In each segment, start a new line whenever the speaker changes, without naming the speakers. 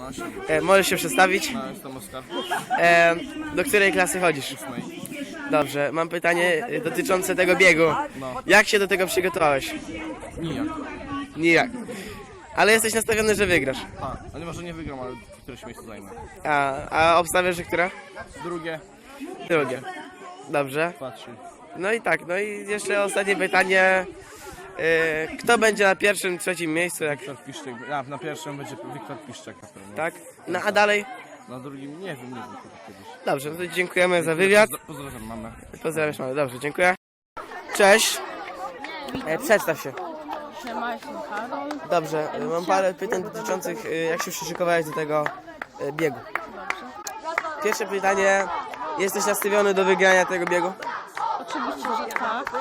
Możesz się przedstawić?
No, jestem Oskar.
Do której klasy chodzisz?
8.
Dobrze, mam pytanie dotyczące tego biegu.
No.
Jak się do tego przygotowałeś?
Nijak.
Nijak. Ale jesteś nastawiony, że wygrasz.
Ale może nie wygram, ale któreś miejsce zajmę.
A obstawiasz, że która?
Drugie.
Drugie. Dobrze.
2-3.
No i tak, no i jeszcze ostatnie pytanie. Kto będzie na pierwszym, trzecim miejscu? Jak...
Wiktor Piszczek. Na pierwszym będzie Wiktor Piszczek na pewno.
Tak? No a dalej?
Na drugim nie wiem kiedyś.
Dobrze, no to dziękujemy za wywiad.
Pozdrawiam mamę.
Pozdrawiam mamy. Dobrze, dziękuję. Cześć. Przedstaw się.
Siema, jestem Karol.
Dobrze, mam parę pytań dotyczących jak się przyszykowałeś do tego biegu. Pierwsze pytanie. Jesteś nastawiony do wygrania tego biegu?
Oczywiście, że tak.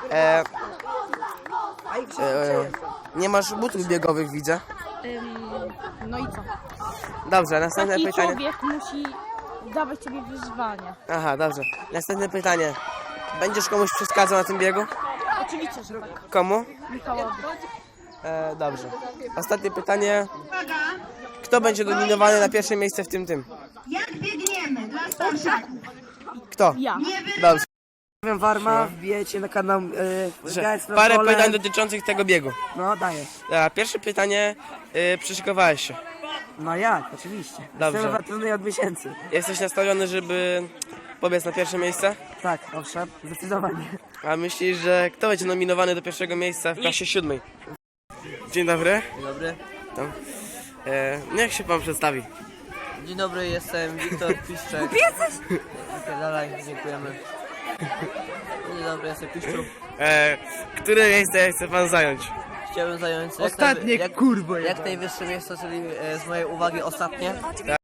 Nie masz butów biegowych, widzę.
No i co?
Dobrze, następne
Taki
pytanie.
człowiek musi dawać sobie wyzwania.
Aha, dobrze. Następne pytanie. Będziesz komuś przeszkadzał na tym biegu?
Oczywiście, że tak.
Komu?
Michałowi.
Dobrze. Ostatnie pytanie. Kto będzie nominowany na pierwsze miejsce w tym?
Jak biegniemy dla starszaków?
Kto?
Ja.
Dobrze.
Warma, wbijecie na kanał
Parę pytań dotyczących tego biegu.
No daję.
Pierwsze pytanie. Przyszykowałeś się.
No jak, oczywiście.
Dobrze.
Trenuję od miesięcy.
Jesteś nastawiony, żeby pobiec na pierwsze miejsce?
Tak, owszem, zdecydowanie.
A myślisz, że kto będzie nominowany do pierwszego miejsca w klasie 7? Dzień dobry.
Dzień dobry.
Tam. Niech się pan przedstawi.
Dzień dobry, jestem Wiktor Piszczek. Dalej, dziękujemy. Dzień dobry, jestem Piszczu.
Które miejsce chce pan zająć?
Chciałbym zająć
Ostatnie, kurwo,
jak najwyższe miejsce, czyli z mojej uwagi ostatnie.